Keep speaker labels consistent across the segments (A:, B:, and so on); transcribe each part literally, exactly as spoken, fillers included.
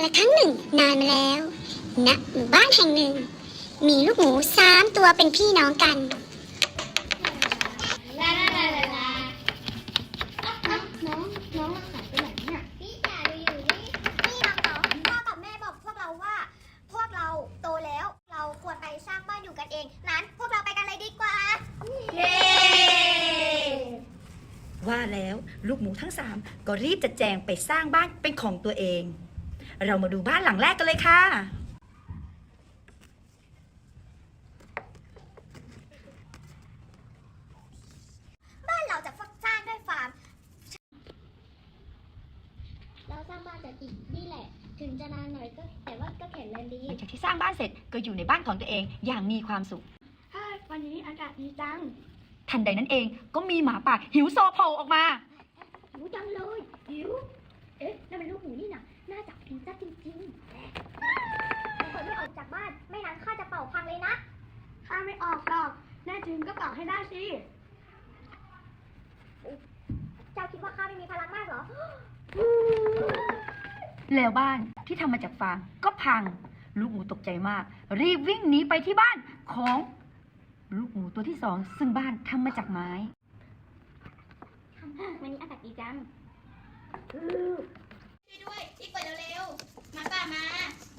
A: ละครั้งหนึ่งนานมาแล้วณหมู่บ้านแห่งหนึ่งมีลูกหมูสามตัวเป็นพี่น้องกัน
B: ลาลาลาลาลาน้องน้องหายไปไหนเนี่ยพี่จ๋าดูอยู่นี่นี่น้องๆพ่อกับแม่บอกพวกเราว่า พวกเราโตแล้วเราควรไปสร้างบ้านอยู่กันเองนั้นพวกเราไปกันเลยดีกว่าเย้
C: ว่าแล้วลูกหมูทั้งสามก็รีบจัดแจงไปสร้างบ้านเป็นของตัวเอง เรามาดูบ้านหลังแรกกันเลยค่ะ
B: บ้านเราจะสร้างด้วยฟาร์มเราสร้างบ้านจากอิฐนี่แหละ ถึงจะนานหน่อยก็แต่ว่าก็แข็งแรงดี
C: หลังจากที่สร้างบ้านเสร็จก็อยู่ในบ้านของตัวเองอย่างมีความสุข
B: วันนี้อากาศดีจัง
C: ทันใดนั้นเองก็มีหมาป่าหิวโซโผล่ออกมา
B: หิวจังเลยหิวเอ๊ะนั่นเป็นลูกหมูนี่นะน่าจะกินซะจริงๆแต่คนไม่ออกจากบ้านไม่นั้นข้าจะเป่าพังเลยนะข้าไม่ออกหรอกแน่จริงก็เป่าให้ได้สิเจ้าคิดว่าข้าไม่มีพลังมากเหรอ
C: แล้วบ้านที่ทำมาจากฟางก็พังลูกหมูตกใจมากรีบวิ่งหนีไปที่บ้านของลูกหมูตัวที่สองซึ่งบ้านทำมาจากไม้
B: วันนี้อากาศดีจัง
D: ช่วยด้วยรีบเปิดเร็วๆหมาป่ามา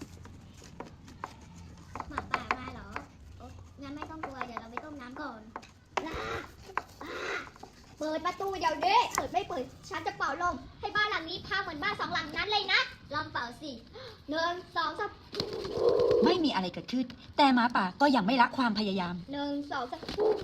B: หมาป่ามาเหรอโอ๊ะงั้นไม่ต้องกลัวเดี๋ยวเราไปต้มน้ำก่อนลาอ่าเปิดประตูเดี๋ยวนี้เปิดไม่เปิดฉันจะเป่าลมให้บ้านหลังนี้พังเหมือนบ้านสองหลังนั้นเลยนะลองเป่าสิหนึ่งสองสาม
C: ไม่มีอะไรเกิดขึ้นแต่หมาป่าก็ยังไม่ละความพยายาม
B: หนึ่งสองสาม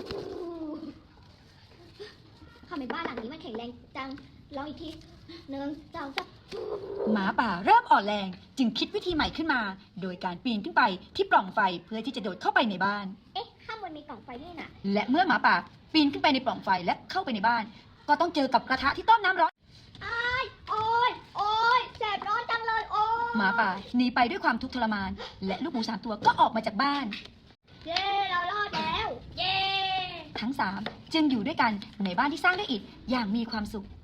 B: ทำไมบ้านหลังนี้มันแข็งแรงจังลองอีกทีหนึ่งสองสาม
C: หมาป่าเริ่มอ่อนแรงจึงคิดวิธีใหม่ขึ้นมา โดยการปีนขึ้นไปที่ปล่องไฟเพื่อที่จะโดดเข้าไปในบ้าน
B: เอ๊ะข้างบนมีกล่องไฟนี่น่ะ
C: และเมื่อหมาป่าปีนขึ้นไปในปล่องไฟและเข้าไปในบ้าน ก็ต้องเจอกับกระทะที่ต้มน้ำร้อน
B: อ้ายโอ้ยโอ้ยแสบร้อนจังเลยโอ้ย
C: หมาป่าหนีไปด้วยความทุกข์ทรมาน และลูกหมูสามตัวก็ออกมาจากบ้าน
B: เย้เรารอดแล้ว เย้
C: ทั้งสามจึงอยู่ด้วยกันในบ้านที่สร้างด้วยอิฐอย่างมีความสุข